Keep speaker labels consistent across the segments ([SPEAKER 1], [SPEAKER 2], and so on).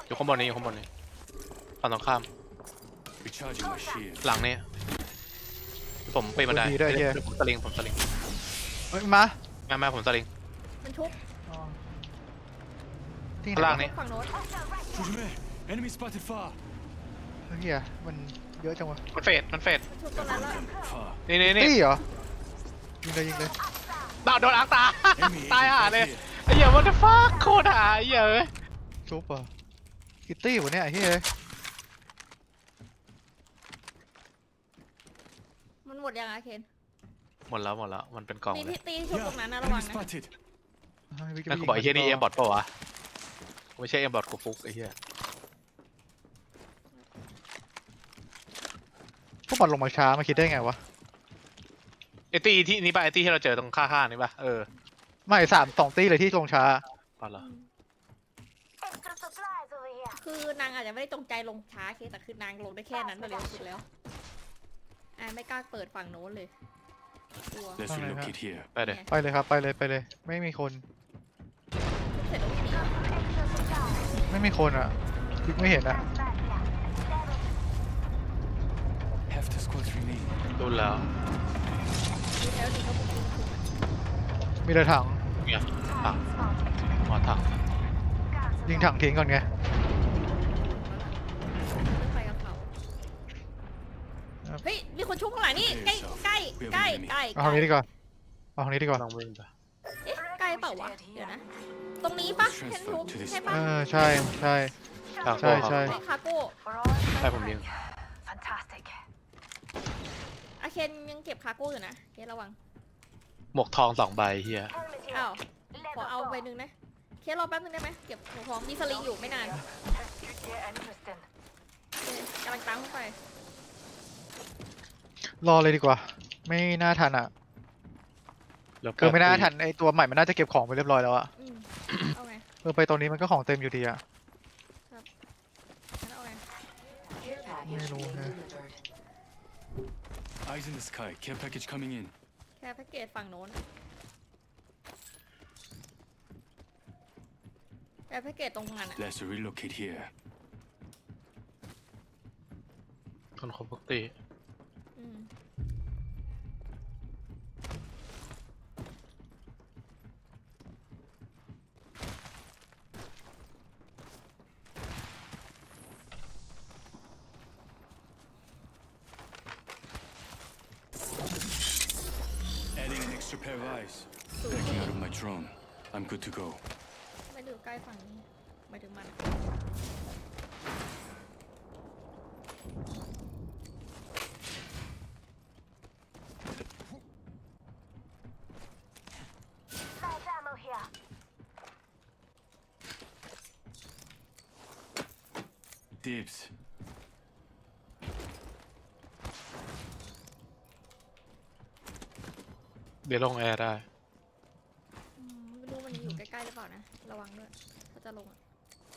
[SPEAKER 1] อยู่ข้างบนนี้อยู่ข้างบนนี้ฝั่งตรงข้าม
[SPEAKER 2] Recharging my shield.
[SPEAKER 1] หลังนี้ผมปีนบันได
[SPEAKER 3] ดีด้วยเฮีย
[SPEAKER 1] ผมสลิงผมสลิง
[SPEAKER 3] เฮ้ยมา
[SPEAKER 1] แม่ผมสลิง
[SPEAKER 4] มันชุบ
[SPEAKER 3] อ๋อที่
[SPEAKER 1] ข้าง
[SPEAKER 3] ไหน
[SPEAKER 1] ล่าง
[SPEAKER 3] วะ
[SPEAKER 1] นี่
[SPEAKER 4] ฝั่งโน้น
[SPEAKER 2] Fujime, enemy spotted far.
[SPEAKER 3] เฮียมันเยอะจังวะ
[SPEAKER 1] มันเฟด
[SPEAKER 4] มันชุบตรงนั้นแล้ว
[SPEAKER 2] Far.
[SPEAKER 1] นี่
[SPEAKER 3] ตี้เหรอยิงเลยยิงเลย
[SPEAKER 1] โดนอังตา
[SPEAKER 2] Enemy
[SPEAKER 1] ตาย
[SPEAKER 2] agent
[SPEAKER 1] ห่า
[SPEAKER 2] right
[SPEAKER 1] เลย
[SPEAKER 2] here.
[SPEAKER 1] ไอ้เหี้ย what the fuck โคตรหาไอ้เหี้ยเอ้ย
[SPEAKER 3] ชุบเหรอคิตตี้วะเนี่ยไอ้เฮีย
[SPEAKER 4] มันหมดยังอะเคน
[SPEAKER 1] หมดแล้วมันเป็นกล่อง
[SPEAKER 4] มี
[SPEAKER 1] เลย
[SPEAKER 4] ที่ตีชุบตรงนั้นนะ
[SPEAKER 2] Yeah,
[SPEAKER 4] ระวัง
[SPEAKER 2] enemy
[SPEAKER 4] นะ
[SPEAKER 2] spotted.
[SPEAKER 1] นั่นกูบอกไอ้เหี้ยนี่เอ็มบอทปะวะไม่ใช่เอ็มบอทกูฟุกไอ้เหี้ย
[SPEAKER 3] พวกมันลงมาช้ามาคิดได้ไงวะ
[SPEAKER 1] ไอ้ตี้ที่นี่ป่ะไอ้ตี้ที่เราเจอตรงข้างๆนี่ป่ะ
[SPEAKER 3] ไม่2 ตี้เลยที่ลงช้า
[SPEAKER 1] ป่ะเหรอ
[SPEAKER 5] Extra supplies over here.
[SPEAKER 4] คือนางอาจจะไม่ได้จงใจลงช้าเคแต่คือนางลงได้แค่นั้นเร็วสุดแล้วไม่กล้าเปิดฝั่งโน้นเลยกลัว
[SPEAKER 2] Let's
[SPEAKER 3] Alright,
[SPEAKER 2] relocate here.
[SPEAKER 1] ไปเลย
[SPEAKER 3] ไปเลยครับไปเลยไม่มีคน
[SPEAKER 4] ชุบเสร็จแล้ววิ่งหนี
[SPEAKER 5] Extra supplies.
[SPEAKER 3] ไม่มีคนอ่ะคือไม่เห็นอ่ะ
[SPEAKER 5] Back here. Level
[SPEAKER 2] Half the squads remain.
[SPEAKER 1] ดูแล้ว
[SPEAKER 4] ดูแล้วดีก็บุกยิงถูก
[SPEAKER 3] มีแต่ถัง
[SPEAKER 1] เนี่ยถังหัวถัง
[SPEAKER 3] ยิงถังทิ้งก่อนไง
[SPEAKER 4] ไปกับเขาเฮ้ยมีคนชุบข้างหลังนี่ใกล้ใกล้ใกล้ใกล้
[SPEAKER 3] เอาทางนี้ดีกว่าเอาทางนี้ดีกว่า
[SPEAKER 1] ลองวิ่งไป
[SPEAKER 4] เอ๊ะใกล้เปล่าวะเดี๋ยวนะตรงนี้ปะเห็นทุบใช่ปะ
[SPEAKER 3] ใช่ใช่
[SPEAKER 1] ทาง
[SPEAKER 3] ใช่
[SPEAKER 1] โก้
[SPEAKER 3] ใช่
[SPEAKER 1] ครับ
[SPEAKER 4] ไอ้คาโก้
[SPEAKER 5] for all.
[SPEAKER 1] ใช่ผมยิง
[SPEAKER 5] Fantastic.
[SPEAKER 4] อาเคนยังเก็บคาโก้อยู่นะเคนระวัง
[SPEAKER 1] หมวกทอง2 ใบเฮีย
[SPEAKER 5] Helmet here.
[SPEAKER 4] อ้าวขอ
[SPEAKER 5] Level
[SPEAKER 4] เอาไป
[SPEAKER 5] 4.
[SPEAKER 4] หนึ่งนะเคนรอแป๊บนึงได้ไหมเก็บหัวทองมีสลิงอยู่ไม่นาน
[SPEAKER 5] Yeah, interesting.
[SPEAKER 4] กำลังตามเข้าไป
[SPEAKER 3] รอเลยดีกว่า ไม่น่าทันอ่ะคือไม่น่าทันไอตัวใหม่มันน่าจะเก็บของไปเรียบร้อยแล้วอ่ะ
[SPEAKER 4] อืมเอาไง
[SPEAKER 3] ไปตรงนี้มันก็ของเต็มอยู่ดีอ่ะ
[SPEAKER 4] งั้นเอาไง
[SPEAKER 3] ไม่รู้นะ
[SPEAKER 2] Eyes in the sky. Care package coming in.
[SPEAKER 4] แค่แพ็กเกจฝั่งโน้นแค่แพ็กเกจตรงนั้นอ่ะ
[SPEAKER 2] Let's relocate here.
[SPEAKER 1] คนครบปกติ
[SPEAKER 4] อืม
[SPEAKER 2] Adding an extra pair of eyes. Backing out of my drone. I'm good to go.
[SPEAKER 4] ไม่ดูใกล้ฝั่งนี้ไม่ถึงมัน
[SPEAKER 5] Light ammo here.
[SPEAKER 2] 'Dibs.
[SPEAKER 1] เดี๋ยวลงแอร์ได้
[SPEAKER 4] ไม่รู้มันอยู่ใกล้ๆหรือเปล่านะระวังด้วยถ้าจะลงอ่ะ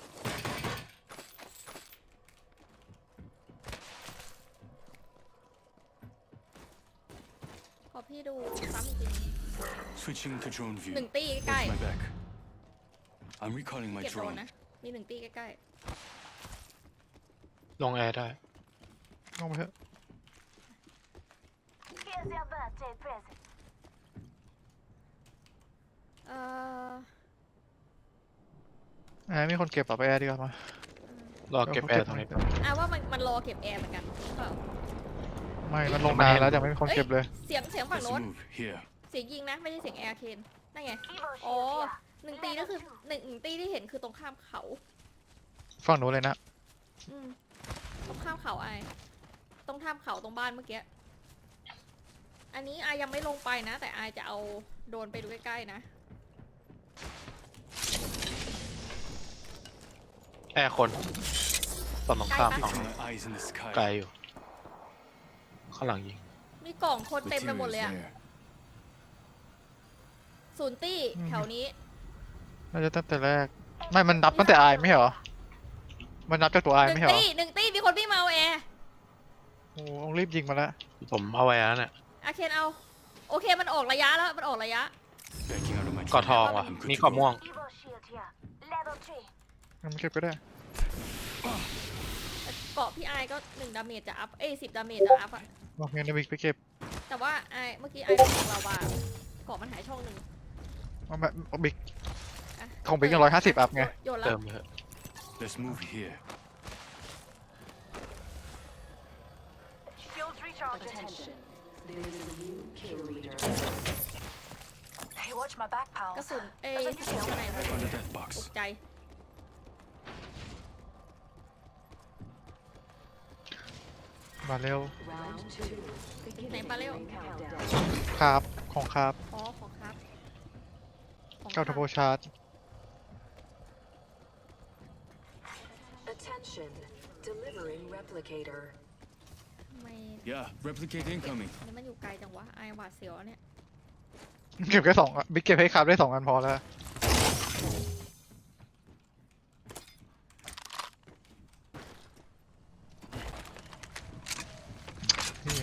[SPEAKER 4] ขอพี่ดูซ้ำอีกที
[SPEAKER 2] Switching to drone view.
[SPEAKER 4] หนึ่งตีใก
[SPEAKER 2] Watch
[SPEAKER 4] ล้
[SPEAKER 2] my back. I'm recalling
[SPEAKER 4] ๆ
[SPEAKER 2] my
[SPEAKER 4] เก็บโดน
[SPEAKER 2] drone.
[SPEAKER 4] นะมีหนึ่งตีใกล้
[SPEAKER 1] ลงแอร์ได้
[SPEAKER 3] ลงไปเถอะ
[SPEAKER 5] Here's your birthday present.
[SPEAKER 4] ๆ
[SPEAKER 3] มีคนเก็บไปแอร์ดีกว่ามา
[SPEAKER 1] รอเก็บแอร์ตรงนี้ก่อน
[SPEAKER 4] ว่ามันรอเก็บแอร์เหมือนกันหรือเปล่า
[SPEAKER 3] ไม่มันลงนานแล้วแต่ไม่มีคนเก็บเลย
[SPEAKER 4] เสียงฝั่ง
[SPEAKER 2] Let's
[SPEAKER 4] โน้น
[SPEAKER 2] move here.
[SPEAKER 4] เสียงยิงนะไม่ใช่เสียงแอร์เคนนั่นไง
[SPEAKER 5] Evo
[SPEAKER 4] อ๋อ
[SPEAKER 5] shield here.
[SPEAKER 4] หนึ่งตีนั่นคือหนึ่งตีที่เห็นคือตรงข้ามเขา
[SPEAKER 3] ฝั่งโน้นเลยนะ
[SPEAKER 4] อืมตรงข้ามเขาไอตรงข้ามเขาตรงบ้านเมื่อกี้ อันนี้อายยังไม่ลงไปนะ แต่อายจะเอาโดรนไปดูใกล้ๆนะ
[SPEAKER 1] แอร์คนฝั่งตรงข้าม
[SPEAKER 4] ไกลปะ
[SPEAKER 1] ฝั่ง
[SPEAKER 2] Fixing my eyes in the
[SPEAKER 1] ไกล
[SPEAKER 2] sky.
[SPEAKER 1] อยู่ ข้างหลังยิง
[SPEAKER 4] มีกล่องคนเต็มไปหมด
[SPEAKER 2] Materials
[SPEAKER 4] เลยอะ
[SPEAKER 2] there.
[SPEAKER 4] ศูนย์ตี้แถวนี้
[SPEAKER 3] น่าจะตั้งแต่แรกไม่มันนับตั้งแต่อายไม่ใช่เหรอมันนับจากตัวอาย
[SPEAKER 4] หนึ่
[SPEAKER 3] ไม่
[SPEAKER 4] ง
[SPEAKER 3] ใช่เหรอ
[SPEAKER 4] ตี้หนึ่งตี้มีคนพี่งมาเอาแอร์
[SPEAKER 3] โอ้ต้องรีบยิงมาแล้ว
[SPEAKER 1] ผมเอาไว้แล้วเนี่ย
[SPEAKER 4] อาเคนเอา โอเคมันออกระยะแล้วมันออกระยะ
[SPEAKER 2] Backing out of my
[SPEAKER 1] กอ
[SPEAKER 2] drone.
[SPEAKER 1] ทองว่ะ
[SPEAKER 2] I'm good
[SPEAKER 1] นี่
[SPEAKER 2] to
[SPEAKER 1] กอ
[SPEAKER 2] go.
[SPEAKER 1] ม่วง
[SPEAKER 5] Evo shield here. Level 3.
[SPEAKER 3] งั้นมันเก็บก็ได้
[SPEAKER 4] แต่เกาะพี่ไอก็1 ดาเมจจะอัพ10 ดาเมจจะอัพอะ
[SPEAKER 3] โอเคนะบิ๊กไปเก็บ
[SPEAKER 4] แต่ว่าเมื่อกี้ไอของเราว่าเกาะมันหายช่องหนึ่ง
[SPEAKER 3] เอามาเอาบิ๊ก
[SPEAKER 4] ะ
[SPEAKER 3] ของบิ๊กยัง150อัพไง
[SPEAKER 4] โยนแล้
[SPEAKER 1] เติ
[SPEAKER 4] ว
[SPEAKER 1] มเถอะ
[SPEAKER 2] Let's move here.
[SPEAKER 5] Shields recharging.
[SPEAKER 6] Attention. There is a new kill leader.
[SPEAKER 5] Hey, watch my back,
[SPEAKER 4] กระ
[SPEAKER 5] pals.
[SPEAKER 4] สุนข้างใน
[SPEAKER 2] Found a death
[SPEAKER 4] ต
[SPEAKER 2] box.
[SPEAKER 4] กใจ
[SPEAKER 3] มาเร็ว
[SPEAKER 6] Round 2. Beginning
[SPEAKER 4] Này, Paleo.
[SPEAKER 6] ring countdown.
[SPEAKER 3] ครับของครับ
[SPEAKER 4] อ๋อของครับของ
[SPEAKER 3] เก้าทับโบ
[SPEAKER 4] ครับ
[SPEAKER 3] ชาร์จ
[SPEAKER 6] Attention. Delivering replicator.
[SPEAKER 4] ทำไม
[SPEAKER 2] Yeah, replicate incoming.
[SPEAKER 4] อันนี้มันอยู่ไกลจังวะไอหวาดเสียวเนี่ย
[SPEAKER 3] เก็บแค่2อ่ะบิ๊กเก็บให้ครับได้2 อันพอแล้วนี่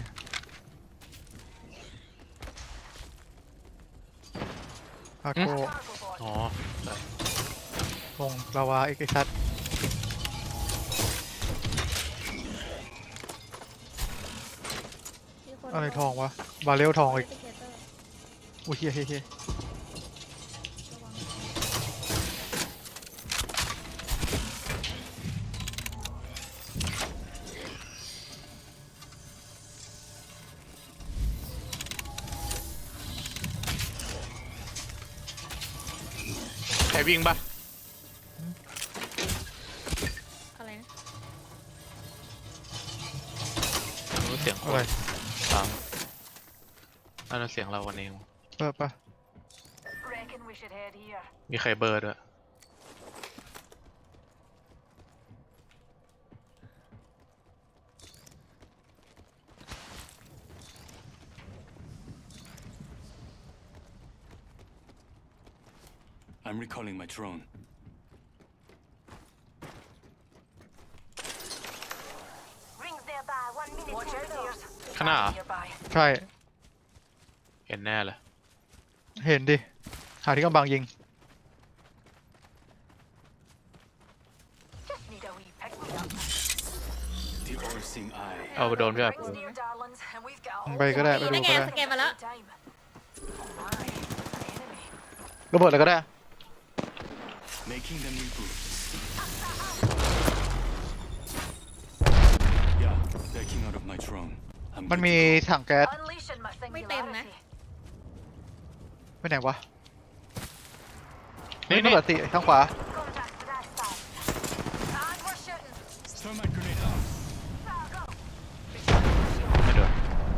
[SPEAKER 3] อาโก
[SPEAKER 5] Cargo board.
[SPEAKER 1] อ๋อใช่
[SPEAKER 3] ลงลาวาเอกชัด
[SPEAKER 4] มีคน
[SPEAKER 3] อะไรทองวะบาเรลทองอีก
[SPEAKER 4] Replicator
[SPEAKER 3] อุ้ยเฮียเฮียเฮีย
[SPEAKER 4] ระวัง
[SPEAKER 1] ใครวิ่งปะ
[SPEAKER 4] อะไรนะ
[SPEAKER 1] รู้เสียงค
[SPEAKER 3] อะไร
[SPEAKER 1] นตามนั่นนะเสียงเราวันเอง
[SPEAKER 3] เปิดปะ
[SPEAKER 5] Reckon we should head here.
[SPEAKER 1] มีใครเบอร์ด้วย
[SPEAKER 2] I'm recalling my drone.
[SPEAKER 5] Rings nearby. 1 minute. Watch out, dears.
[SPEAKER 1] ข้างหน้าเหรอ
[SPEAKER 5] Nearby.
[SPEAKER 3] ใช่
[SPEAKER 1] เห็นแน่เลย
[SPEAKER 3] เห็นดิ หาที่กำบังยิง
[SPEAKER 5] Just need a wee pick me up.
[SPEAKER 2] The all-seeing eye.
[SPEAKER 1] เอาไปโดนพี่แบบ
[SPEAKER 5] Rings near, darlings, and we've got
[SPEAKER 3] ไปก็ได้ไป
[SPEAKER 4] นี่
[SPEAKER 3] ดู
[SPEAKER 4] ได้ไง
[SPEAKER 3] ก็ได้
[SPEAKER 4] สแกนมาแล้ว
[SPEAKER 5] time. Oh my, an enemy.
[SPEAKER 3] ระเบิดเลยก็ได้
[SPEAKER 2] Making them reboot. Yeah, backing out of my drone. I'm
[SPEAKER 3] มัน
[SPEAKER 2] good
[SPEAKER 3] มี
[SPEAKER 2] to go.
[SPEAKER 3] ถังแก๊ส
[SPEAKER 5] Unleashing my
[SPEAKER 4] ไม่เต็มนะ
[SPEAKER 5] singularity.
[SPEAKER 3] ไปไหนวะ
[SPEAKER 1] นี่
[SPEAKER 3] ระ
[SPEAKER 1] นี่
[SPEAKER 3] เบิดสิข้างขวา
[SPEAKER 5] Contact to that side. And we're shooting.
[SPEAKER 2] Thermite grenade out.
[SPEAKER 5] Fire, go.
[SPEAKER 1] ไม่โดน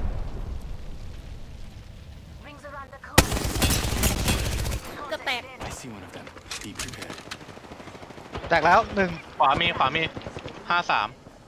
[SPEAKER 5] Rings around the corner.
[SPEAKER 4] เกือบแตก
[SPEAKER 2] I see one of them. Be prepared.
[SPEAKER 3] แตกแล้วหนึ่ง
[SPEAKER 1] ขวามี53
[SPEAKER 5] Just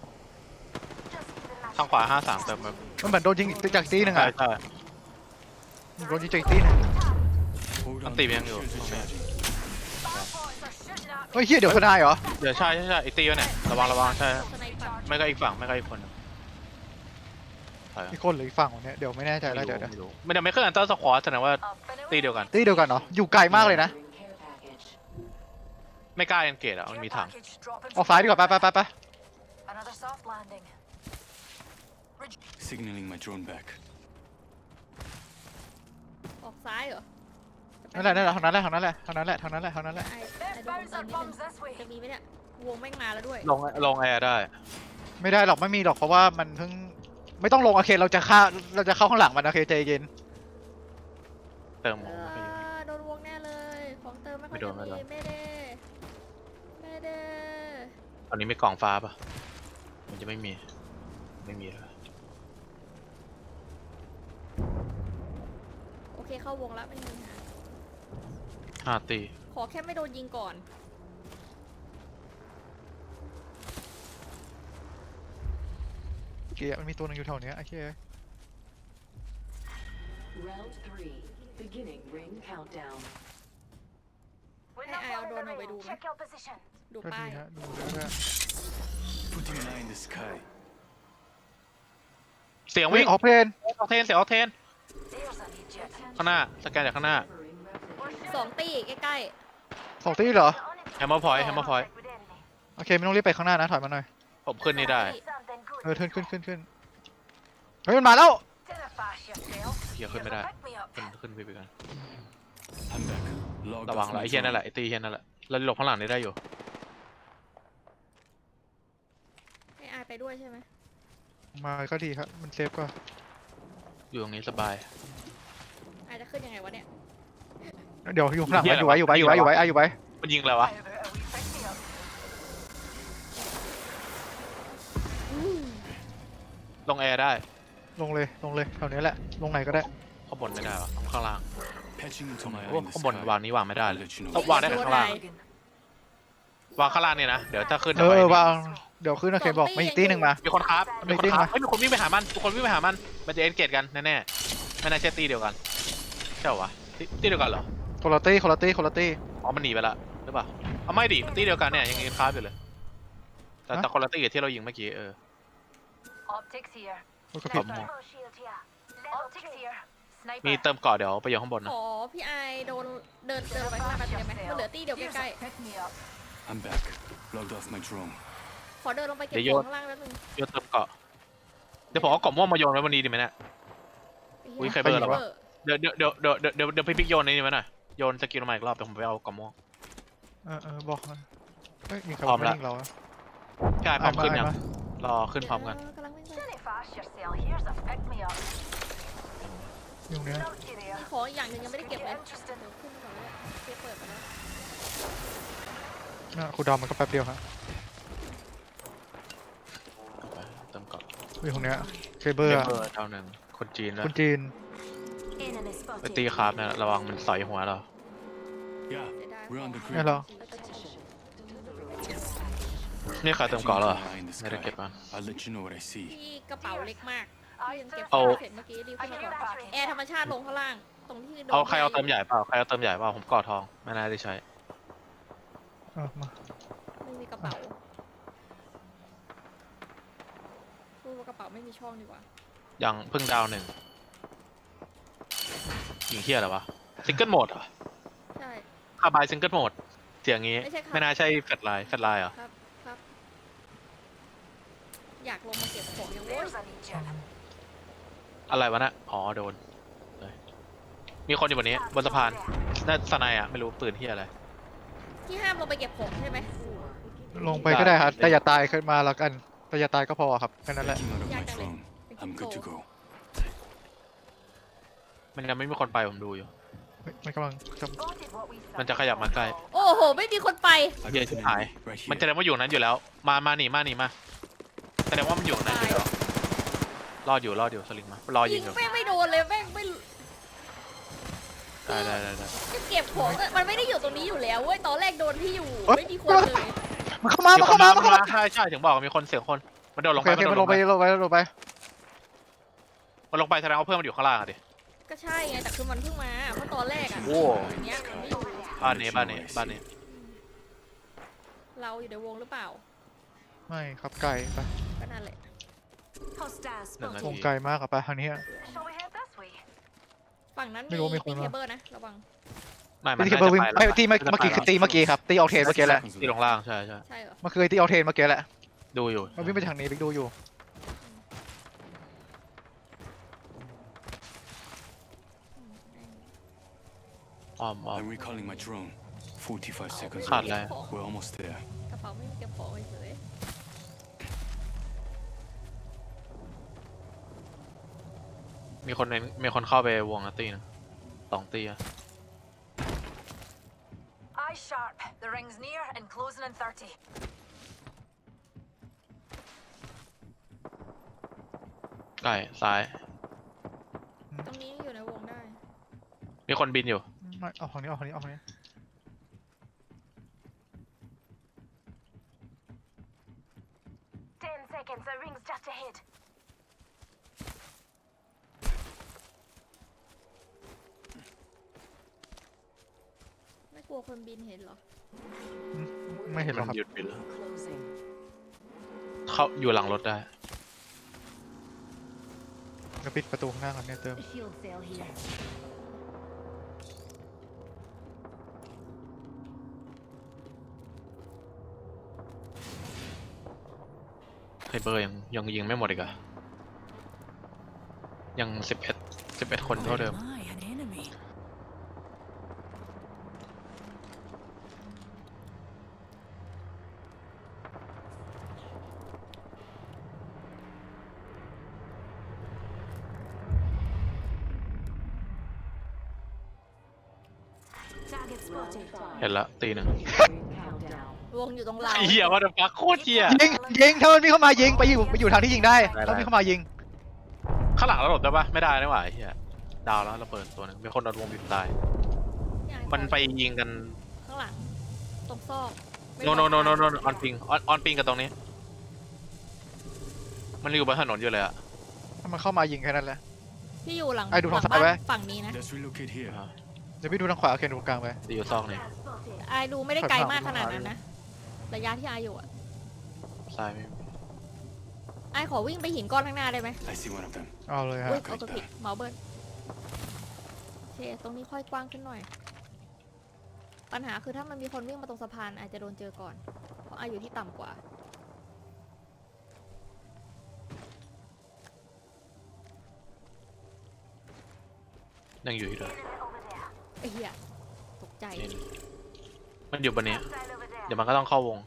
[SPEAKER 5] keep
[SPEAKER 1] ทางขวา53เติมมา
[SPEAKER 3] มันเหมือนโดนยิงจากตีหนึ่ง
[SPEAKER 1] ใช่
[SPEAKER 3] อ่ะ
[SPEAKER 1] ใช่
[SPEAKER 3] โดนยิงจากตีหนึ่ง
[SPEAKER 2] Hold on.
[SPEAKER 1] Anti bien,
[SPEAKER 2] shields
[SPEAKER 1] yo.
[SPEAKER 2] recharging.
[SPEAKER 5] Firepoints are shooting at me.
[SPEAKER 3] เฮ้ยเฮียเดี๋ยวพนายเหรอ
[SPEAKER 1] เดี๋ยวใช่ใช่ใช่ไอตีวะเนี่ยระวังระวังใช่
[SPEAKER 4] สไนปัง
[SPEAKER 1] ไม่ก็อีกฝั่งไม่ก็อีกคนหนึ่งใช่
[SPEAKER 3] อีกคนหรืออีกฝั่งวะเนี่ยเดี๋ยวไม่แน่ใจแล้วเดี๋ยว
[SPEAKER 1] ไม่รู้ไม่ได้ไม่เคยอันเตอร์สควอตแสดงว่า
[SPEAKER 5] Up and away.
[SPEAKER 1] ตีเดียวกัน
[SPEAKER 3] ตีเดียวกันเหรอ อยู่ไกลมากเลยนะ
[SPEAKER 6] Delivering care package.
[SPEAKER 1] ไม่กล้าเอนเกตอ่ะมันมี
[SPEAKER 5] Care
[SPEAKER 1] ถัง
[SPEAKER 5] package dropping
[SPEAKER 3] ออกซ้ายดีกว่าไปไปไปไป
[SPEAKER 5] Another soft landing.
[SPEAKER 2] Signaling my drone back.
[SPEAKER 4] ออกซ้ายเหรอ
[SPEAKER 3] นั่นแหละนั่นแหละทางนั้นแหละทางนั้นแหละทางนั้นแหละทางนั้นแหละทางนั้นแหละ
[SPEAKER 4] ไอ้
[SPEAKER 5] There's
[SPEAKER 4] ดูวง
[SPEAKER 5] bouncer
[SPEAKER 4] เติมนิดนึง
[SPEAKER 5] bombs this way.
[SPEAKER 4] จะมีไหมเนี่ย วงแม่งมาแล้วด้วย
[SPEAKER 1] ลงแอร์ได้
[SPEAKER 3] ไม่ได้หรอกไม่มีหรอกเพราะว่ามันเพิ่งไม่ต้องลงโอเคเราจะเข้าข้างหลังมันโอเคใจเย็น
[SPEAKER 1] เติม
[SPEAKER 4] เออโดนวงแน่เลย ของเติมไม่ค่อย
[SPEAKER 1] ไม่โด
[SPEAKER 4] จะ
[SPEAKER 1] นไม่โด
[SPEAKER 4] มี
[SPEAKER 1] น
[SPEAKER 4] ไม่ได้ไม่ได้
[SPEAKER 1] ตอนนี้มีกล่องฟ้าปะมันจะไม่มีไม่มีเลย
[SPEAKER 4] โอเคเข้าวงแล้วไม่มีปัญหา
[SPEAKER 1] 5 ตี
[SPEAKER 4] ขอแค่ไม่โดนยิงก่อน
[SPEAKER 3] เกียร์มันมีตัวหนึงอยู่แถวเนี้ยโอเค
[SPEAKER 6] Round 3. Beginning ring countdown.
[SPEAKER 5] We're
[SPEAKER 4] Hey,
[SPEAKER 5] not
[SPEAKER 4] I'll
[SPEAKER 5] far in
[SPEAKER 4] do
[SPEAKER 5] the
[SPEAKER 4] another
[SPEAKER 5] ring.
[SPEAKER 4] do,
[SPEAKER 5] Check your position.
[SPEAKER 4] ดู
[SPEAKER 3] ก็
[SPEAKER 4] ป้า
[SPEAKER 3] ดี
[SPEAKER 4] ย
[SPEAKER 3] ฮะดูแล้วก็
[SPEAKER 2] Putting an eye in the sky.
[SPEAKER 1] เสียง
[SPEAKER 3] วิ่
[SPEAKER 1] วิ่
[SPEAKER 3] ง
[SPEAKER 1] ง
[SPEAKER 3] ออกเพลน
[SPEAKER 1] ออกเทนเสียงออกเทน
[SPEAKER 5] There's an Egypt.
[SPEAKER 1] ข้างหน้าสแกนจากข้างหน้า
[SPEAKER 6] Delivering replicator.
[SPEAKER 5] We're
[SPEAKER 4] สองตีใกล้
[SPEAKER 3] สองตีเหรอ
[SPEAKER 1] Hammer point, hammer point.
[SPEAKER 5] With enemy.
[SPEAKER 3] โอเคไม่ต้องรีบไปข้างหน้านะถอยมาหน่อย
[SPEAKER 1] ผมขึ้นนี่ได้
[SPEAKER 5] Something good.
[SPEAKER 3] ขึ้นเฮ้ยมันมาแล้ว
[SPEAKER 5] Dinner fast yourself.
[SPEAKER 1] เฮียขึ้นไม่ได้
[SPEAKER 5] Pick me up.
[SPEAKER 1] ขึ้นไปกัน
[SPEAKER 2] I'm back. Logged
[SPEAKER 1] ระวัง
[SPEAKER 2] off
[SPEAKER 1] แล้ว
[SPEAKER 2] my
[SPEAKER 1] ไอ้เฮียนั่นแห
[SPEAKER 2] drone.
[SPEAKER 1] ละไอ้ตีเฮียนั่นแหละเราหลบข้างหลังนี่ได้อยู่
[SPEAKER 4] ให้อายไปด้วยใช่ไหม
[SPEAKER 3] มาก็ดีครับมันเซฟกว่า
[SPEAKER 1] อยู่ตรงนี้สบาย
[SPEAKER 4] อายจะขึ้นยังไงวะเนี่ย
[SPEAKER 3] เดี๋ยวอยู่ข้างหลัง
[SPEAKER 1] เหี้ย
[SPEAKER 3] อยู่ไว้อยู่ไว้อยู่ไว้อยู่ไว้อยู่ไว้
[SPEAKER 1] มันยิงอะไรวะ
[SPEAKER 5] How about a wee pick me up?
[SPEAKER 1] ลงแอร์ได้
[SPEAKER 3] ลงเลยแถวนี้แหละลงไหนก็ได้
[SPEAKER 1] ข้างบนไม่ได้วะต้องข้างล่าง
[SPEAKER 2] Patching into my
[SPEAKER 1] โอ้
[SPEAKER 2] eye in the
[SPEAKER 1] ข้างบน
[SPEAKER 2] sky.
[SPEAKER 1] วางนี้วางไม่ได้
[SPEAKER 2] I'll
[SPEAKER 1] เลย
[SPEAKER 2] let you know.
[SPEAKER 1] ต้องวางได้แค่ข้างล่าง วางข้างล่างเนี่ยนะ เดี๋ยวถ้าขึ้น
[SPEAKER 3] วางเดี๋ยวขึ้นโอเคบอกไม่อีกตีหนึ่งมา
[SPEAKER 1] มีคนครับ
[SPEAKER 3] ไม่
[SPEAKER 1] มีคน
[SPEAKER 3] ติ้ง
[SPEAKER 1] ครับ
[SPEAKER 3] มา
[SPEAKER 1] เฮ้ยมีคนวิ่งไปหามันทุกคนวิ่งไปหามันมันจะเอ็นเกตกันแน่ๆไม่น่าใช่ตีเดียวกันใช่เหรอวะตีเดียวกันเหรอ
[SPEAKER 3] คนละตี้
[SPEAKER 1] อ๋อมันหนีไปละหรือเปล่าเอาไม่ดิมันตีเดียวกันเนี่ยยังเอ็นคราฟอยู่เลยแต่คนละตีกับที่เรายิงเมื่อกี้
[SPEAKER 5] Optics here.
[SPEAKER 3] มันก็ผิด
[SPEAKER 5] Level shield here. Optics here.
[SPEAKER 1] มี
[SPEAKER 5] Sniper.
[SPEAKER 1] เติมเกาะเดี๋ยวไปอยู่ข้างบน
[SPEAKER 4] ข
[SPEAKER 1] นะ
[SPEAKER 4] อพี่อายเดินไปข้างหน้าแป๊บนึงได้ไหมมันเหลือตีเดียว
[SPEAKER 5] Here's
[SPEAKER 4] ใกล้
[SPEAKER 5] a pick me up.
[SPEAKER 2] I'm back. Logged off my drone.
[SPEAKER 4] ๆขอเดินลงไปเก็บของข้างล่างแป๊บนึง
[SPEAKER 1] โยนเติมเกาะเดี๋ยวผมเอาเกาะม่วงมาโยนไว้บนนี้ดีไหมเนี่ย อุ๊ยใครเบอร์เหรอวะ เดี๋ยวพี่พิกโยนนี่ไว้หน่อยโยนสกิลมาอีกรอบเดี๋ยวผมไปเอาเกาะม่วง
[SPEAKER 3] บอกนะเฮ้ยมีใคร
[SPEAKER 1] พร้อม
[SPEAKER 3] ไม่
[SPEAKER 1] แล้ว
[SPEAKER 3] ยิงเราอะ
[SPEAKER 1] พี่ไอ้พร้อมขึ้นยัง
[SPEAKER 3] มาร
[SPEAKER 1] อขึ้นพร้อมกัน
[SPEAKER 4] กำลังวิ่งไป
[SPEAKER 5] Dinner fast yourself. Here's a pick me up.
[SPEAKER 3] อยู่เนี้ย
[SPEAKER 5] Naughty there.
[SPEAKER 4] มีของอีกอย่างหนึ่งยังไม่ได้เก็บเลย
[SPEAKER 5] Interesting.
[SPEAKER 4] เดี๋ยวขึ้นก่อนแล้วเก็บเปิดไปแล้ว
[SPEAKER 3] ครูดาวมันก็แป๊บเดียวครับ
[SPEAKER 1] เติมเกาะ
[SPEAKER 3] อยู่ตรงเนี้ยเคเบิล
[SPEAKER 1] เบ
[SPEAKER 3] อะ
[SPEAKER 1] อร์เท่าหนึ่งคนจีนแล้ว
[SPEAKER 3] คุณจีน
[SPEAKER 5] Enemy
[SPEAKER 1] ไปตีคราฟเนี่ยระวังมันสอยหัวเรา
[SPEAKER 2] Yeah,
[SPEAKER 4] เสียดาย
[SPEAKER 2] we're on the
[SPEAKER 3] เนี่ย
[SPEAKER 2] grid.
[SPEAKER 3] เหรอ
[SPEAKER 1] นี่ใครเติมเกาะแล้วเหรอ
[SPEAKER 2] Patching into my eye in the
[SPEAKER 1] ไม่ได้เก็บ
[SPEAKER 2] sky.
[SPEAKER 1] มา
[SPEAKER 2] I'll let you know what I see.
[SPEAKER 4] ที่กระเป๋าเล็กมากที่ยังเก็บ
[SPEAKER 1] เอา
[SPEAKER 4] เสร็จเมื่อกี้รีบขึ้นมาก่อนแอร์ธรรมชาติลงข้างล่าง ตรงที่โดน
[SPEAKER 1] เอาใครเอาเติมใหญ่เปล่าใครเอาเติมใหญ่เปล่าผมเกาะทองไม่น่าได้ใช้
[SPEAKER 3] มา
[SPEAKER 4] ไม่มีกระเป๋าพูดว่ากระเป๋าไม่มีช่องดีกว่า
[SPEAKER 1] ยังเพิ่งดาวหนึ่งยิงเฮียอะไรวะซิงเกิลโหมดเหรอ
[SPEAKER 4] ใช่
[SPEAKER 1] คาบายซิงเกิลโหมดเสียงงี้
[SPEAKER 4] ไม่ใช่ครับ
[SPEAKER 1] ไม่น่าใช่แฟลชไลน์เหรอ
[SPEAKER 4] ครับครับ อยากลงมาเก็บของยังโว้ย
[SPEAKER 5] There's an Egypt.
[SPEAKER 1] อะไรวะน่ะอ๋อโดนเลยมีคนอยู่บนนี้บนสะพานน่าสไนอ่ะไม่รู้ปืนเฮียอะไร
[SPEAKER 4] ที่ห้ามลงไปเก็บของใช่ไหม
[SPEAKER 3] ลงไปก็ได้ครับแต่อย่าตายขึ้นมาแล้วกันแต่อย่าตายก็พอครับแค่นั้นแหละ
[SPEAKER 2] Backing out of my
[SPEAKER 4] Yeah,
[SPEAKER 2] drone. I'm good to go.
[SPEAKER 1] มันยังไม่มีคนไปผมดูอยู่
[SPEAKER 3] มันกำลังจะ
[SPEAKER 5] Spotted what we
[SPEAKER 1] มันจะขยับมาใกล้
[SPEAKER 4] โอ้โห ไม่มีคนไป
[SPEAKER 2] I
[SPEAKER 1] Yeah,
[SPEAKER 2] got an
[SPEAKER 1] hi.
[SPEAKER 2] enemy right
[SPEAKER 1] มัน
[SPEAKER 2] here.
[SPEAKER 1] แสดงว่าอยู่นั้นอยู่แล้ว มาหนีมาแสดงว่ามันอยู่นั้นอยู่แล้วรอดอยู่สลิงมารอยิ
[SPEAKER 4] ยิ
[SPEAKER 1] ง
[SPEAKER 4] ง
[SPEAKER 1] อยู่
[SPEAKER 4] แม่งไม่โดนเลยแม่งไม่
[SPEAKER 1] ได้
[SPEAKER 4] จะเก็บของอะมันไม่ได้อยู่ตรงนี้อยู่แล้วเว้ยตอนแรกโดนที่อยู่
[SPEAKER 3] เอ้ย
[SPEAKER 4] ไม่มีคนเลย
[SPEAKER 3] มันเข้ามามันเข้ามา
[SPEAKER 1] ใช่ถึงบอกมีคนเสียงคนมันโดดล
[SPEAKER 3] โอง เค
[SPEAKER 1] ไป
[SPEAKER 3] โอเคมันลงไปลงไป
[SPEAKER 1] มันลงไปแสดงว่าเพื่อนมันอยู่ข้างล่างอะดิ
[SPEAKER 4] ก็ใช่ไงแต่คือมันเพิ่งมาเพราะตอนแรกอะ
[SPEAKER 1] โอ้
[SPEAKER 4] อันเนี้ยมันไม่อยู่
[SPEAKER 1] บ้านนี้
[SPEAKER 4] เราอยู่ในวงหรือเปล่า
[SPEAKER 3] ไม่ครับไก่ไป
[SPEAKER 4] ก็นั่นแหละ
[SPEAKER 5] Hostiles
[SPEAKER 1] หนึ่งนา
[SPEAKER 3] วง
[SPEAKER 1] ที
[SPEAKER 3] ไก่มากอะไปทางนี้
[SPEAKER 5] Shall we head this way?
[SPEAKER 4] ฝั่งนั้น
[SPEAKER 3] ไม่รู้มีคน
[SPEAKER 4] เค
[SPEAKER 3] มา
[SPEAKER 4] เบิลนะระวัง
[SPEAKER 3] ตีเคเบิลวิ่งไม่ตีเมื่อกี้คือตีเมื่อกี้ครับตีออกเทนเมื่อกี้แหละ
[SPEAKER 1] ที่ลงล่างใช่
[SPEAKER 4] ใช่เหรอ
[SPEAKER 3] มันคือตีออกเทนเมื่อกี้แหละ
[SPEAKER 1] ดูอยู่
[SPEAKER 3] มันวิ่งไปทางนี้บิ๊กดูอยู่
[SPEAKER 1] อ้อม
[SPEAKER 2] I'm recalling my drone. 45 seconds.
[SPEAKER 1] ขาด
[SPEAKER 2] left.
[SPEAKER 1] แล้ว
[SPEAKER 2] We're almost there.
[SPEAKER 4] กระเป๋าไม่มีเก็บของเฉย
[SPEAKER 1] มีคนเข้าไปวงอะตีนึง2 ตีอะ
[SPEAKER 5] Eye sharp. The ring's near and closing in 30.
[SPEAKER 1] ใกล้ซ้าย
[SPEAKER 4] ตรงนี้อยู่ในวงได้
[SPEAKER 1] มีคนบินอยู่
[SPEAKER 3] ไม่เอาของนี้เอาของนี้เอาของนี้
[SPEAKER 5] 10 seconds. The ring's just ahead.
[SPEAKER 4] ไม่กลัวคนบินเห็นเหรอ
[SPEAKER 3] ไม่เห็นหรอกครับ
[SPEAKER 1] หยุดบินแล้ว
[SPEAKER 6] Closing.
[SPEAKER 1] เข้าอยู่หลังรถได้
[SPEAKER 3] เดี๋ยวปิดประตูข้างหน้าก่อนเนี่ยเติม
[SPEAKER 6] Shield cell here.
[SPEAKER 3] เ
[SPEAKER 1] เบอร์ยังยิงไม่หมดอีกอะยัง11คนเท่าเดิม
[SPEAKER 7] My, an enemy.
[SPEAKER 1] เห็นละตีหนึ่ง
[SPEAKER 6] Ring countdown.
[SPEAKER 4] วงอยู่ตรงเรา
[SPEAKER 1] เหี้ยว่าเดฟักโคตรเหี้ย
[SPEAKER 3] ยิงถ้ามันวิ่งเข้ามายิงไปอยู่ทางที่ยิงได้
[SPEAKER 1] ได้
[SPEAKER 3] ถ้าวิ่งเข้ามายิง
[SPEAKER 1] ข้างหลังเราหลบได้ปะไม่ได้นี่หว่าไอ้เหี้ยดาวแล้วเราเปิดตัวหนึงมีคนโดนวงบีบตาย มันไปยิงกัน
[SPEAKER 4] ข้างหลังตรงซอกไม่
[SPEAKER 1] โน
[SPEAKER 4] รู้
[SPEAKER 1] อ
[SPEAKER 4] ว่า
[SPEAKER 1] อนปิงออนปิงกับตรงนี้ มันอยู่บนถนนอยู่เลยอะ
[SPEAKER 3] ถ้ามันเข้ามายิงแค่นั้นแหละ
[SPEAKER 4] พี่อยู่หลัง
[SPEAKER 3] ไอ้ดูทาง
[SPEAKER 4] หลั
[SPEAKER 3] ซ้ายไว้
[SPEAKER 4] บ้นฝั่งนี้นะ
[SPEAKER 2] Let's relocate here.
[SPEAKER 3] เดี๋ยวพี่ดูทางขวาโอเคดูตรงกลางไป
[SPEAKER 1] ตีอยู่ซอกนี่
[SPEAKER 4] ไอดูไม่ได้ไกลมากขนาดนั้นนะระยะที่ไออยู่อะ
[SPEAKER 1] ซ้ายไม่มี
[SPEAKER 4] ไอขอวิ่งไปหินก้อนข้างหน้าได้ไหม
[SPEAKER 2] I see one of them.
[SPEAKER 3] เอาเลยฮะ
[SPEAKER 4] อุ้ยเอาตัวผิดเมาส์เบิร์นโอเคตรงนี้ค่อยกว้างขึ้นหน่อย ปัญหาคือถ้ามันมีคนวิ่งมาตรงสะพานอาจจะโดนเจอก่อน เพราะไออยู่ที่ต่ำกว่า
[SPEAKER 1] ยังอยู่ที่เดิม
[SPEAKER 4] ไอ้เหี้ยตกใจ
[SPEAKER 1] นี่มันอยู่บนนี้ เดี๋ยวมันก็ต้องเข้าวง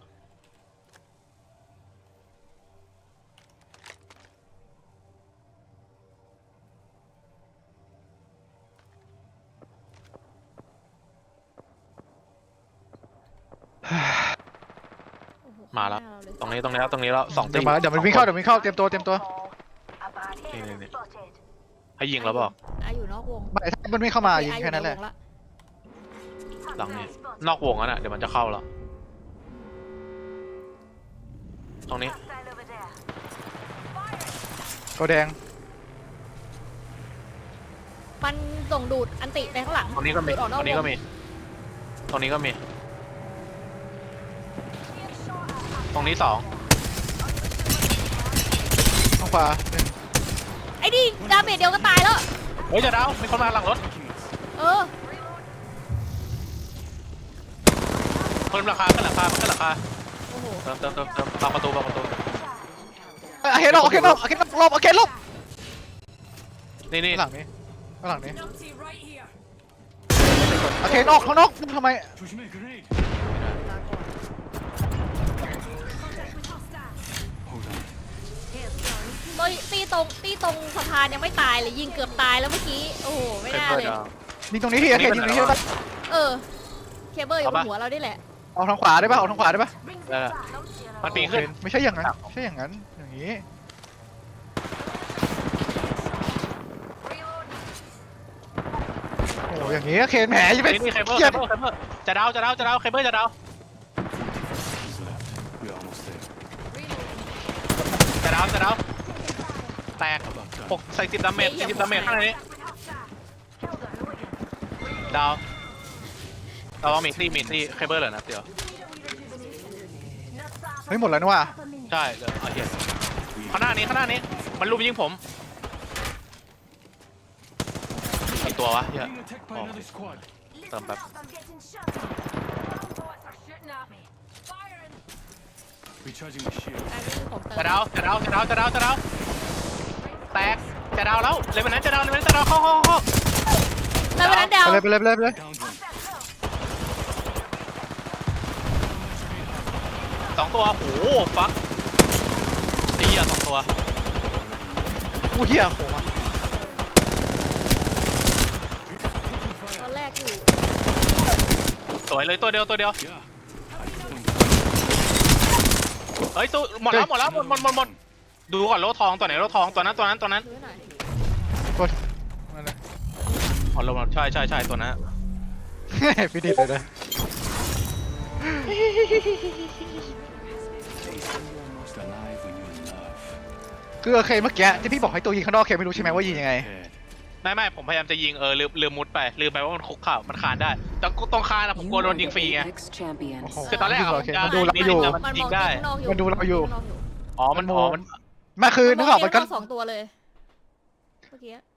[SPEAKER 4] โอ้โห
[SPEAKER 1] มาแล้ว
[SPEAKER 4] ข้งหน้เเย
[SPEAKER 1] ตรงนี้แล้วสองตี
[SPEAKER 3] เดี๋ยวมันวิ่งเข้าเตรียมตัว
[SPEAKER 1] นี่ให้ยิงแล้วบอก
[SPEAKER 4] ไออยู่นอกวง
[SPEAKER 3] ไม่ถ้ามันวิ่งเข้ามายิง
[SPEAKER 4] ไออ
[SPEAKER 3] แค่นั้นแหละ
[SPEAKER 4] ใวง
[SPEAKER 1] หลังนี้นอกวงนั่นน่ะเดี๋ยวมันจะเข้าแล้ว ตรงนี้
[SPEAKER 3] ตัวแดง
[SPEAKER 4] มันส่งดูดอันติไปข้างหลัง
[SPEAKER 1] ตรงนี้ก็มี
[SPEAKER 4] ดูดออ
[SPEAKER 1] ตรงนี้ก็
[SPEAKER 4] วง
[SPEAKER 1] มี ตรงนี้ก็มี ตรงนี้2
[SPEAKER 3] ทางขวาหนึ่ง
[SPEAKER 4] ไอ้นี่ดาเมจเดียวก็ตายแล้ว
[SPEAKER 1] เฮ้ยจะดาวมีคนมาหลังรถ
[SPEAKER 4] เออ
[SPEAKER 1] ขึ้นราคาขึ้นราคา
[SPEAKER 4] โอ้โห
[SPEAKER 1] เติมบังประตู
[SPEAKER 3] เห็นหรอโอเคหลบ
[SPEAKER 1] นี่
[SPEAKER 3] ข้างหลังนี้
[SPEAKER 7] Numpty right here.
[SPEAKER 3] โอเคนอกข้างนอกทำไม
[SPEAKER 2] Push me a grenade.
[SPEAKER 4] ลาก่อน
[SPEAKER 2] Hold on.
[SPEAKER 4] ตีตรงสะพานยังไม่ตายเลยยิงเกือบตายแล้วเมื่อกี้ โอ้โห ไม่น่าเลย
[SPEAKER 3] ยิงตรงนี้ที่โอเคยิงตรงนี้ได้ปะ
[SPEAKER 4] เออ เคเบิลอยู่บนหัวเราได้แหละ
[SPEAKER 3] ออกทางขวาได้ปะ
[SPEAKER 1] ได้มันปีนขึ้น
[SPEAKER 3] ไม่ใช่อย่างนั้นอย่างนี้โอ้อย่างนี้โอเคแหมจะเป็น
[SPEAKER 1] นี่เคเบิลจะดาวเคเบิลจะดาว
[SPEAKER 2] Seconds left. We're almost there.
[SPEAKER 1] จะดาวแตก6ใส่10 ดาเมจ40 ดาเมจข้างในนี้ดาวเรามีซี่เคเบิลเหรอนะเดี๋ยว
[SPEAKER 3] เฮ้ยหมดแล้วนี่ว่า
[SPEAKER 1] ใช่เลยเอาเหี้ยข้างหน้านี้มันลุมยิงผมกี่ตัววะเหี้ย
[SPEAKER 2] Being attacked by
[SPEAKER 1] Oh.
[SPEAKER 2] another squad.
[SPEAKER 1] เติมแบบ
[SPEAKER 2] Recharging my shield.
[SPEAKER 4] อันนี้คือของเติม
[SPEAKER 1] จะดาวแตกจะดาวแล้วเลยวันนั้นจะดาวเข้า
[SPEAKER 4] แล้ววันนั้นดาว
[SPEAKER 3] ไปเลย
[SPEAKER 2] Downed one.
[SPEAKER 1] 2 ตัวโอ้โหฟักไอ้เหี้ย2 ตัว
[SPEAKER 3] อู้เหี้ยโหมา
[SPEAKER 4] ตอนแรกอยู่
[SPEAKER 1] สวยเลยตัวเดียว
[SPEAKER 2] Yeah. I just went
[SPEAKER 1] เฮ้ยสู้หมดดูก่อนโลทองตัวไหนโลทองตัวนั้น
[SPEAKER 4] ซื้อหน่อย
[SPEAKER 3] ตัวนั่นแหละ
[SPEAKER 1] อ๋อโลใช่ตัวนั้น
[SPEAKER 3] พี่ดิบเลยนะ
[SPEAKER 2] almost alive when you're in love.
[SPEAKER 3] คือโอเคเมื่อกี้ที่พี่บอกให้ตัวยิงข้างนอกโอเคไม่รู้ใช่ไหมว่ายิงยังไง
[SPEAKER 2] Head.
[SPEAKER 1] ไม่ผมพยายามจะยิงลืมมุดไปลืมไปว่ามันคุกเข่ามันคานได้แต่ต้องคานนะผมกลัวโดนยิงฟรีไง
[SPEAKER 6] Apex champions.
[SPEAKER 3] โอ้โห
[SPEAKER 1] คือตอนแรกอะ
[SPEAKER 3] โอเคมันดูเราอยู่
[SPEAKER 1] มันยิงได้
[SPEAKER 3] มันดูเราอยู่
[SPEAKER 1] อ๋อมัน
[SPEAKER 3] มาคือนึกออกมันก็
[SPEAKER 4] สองตัวเลยเมื่อกี้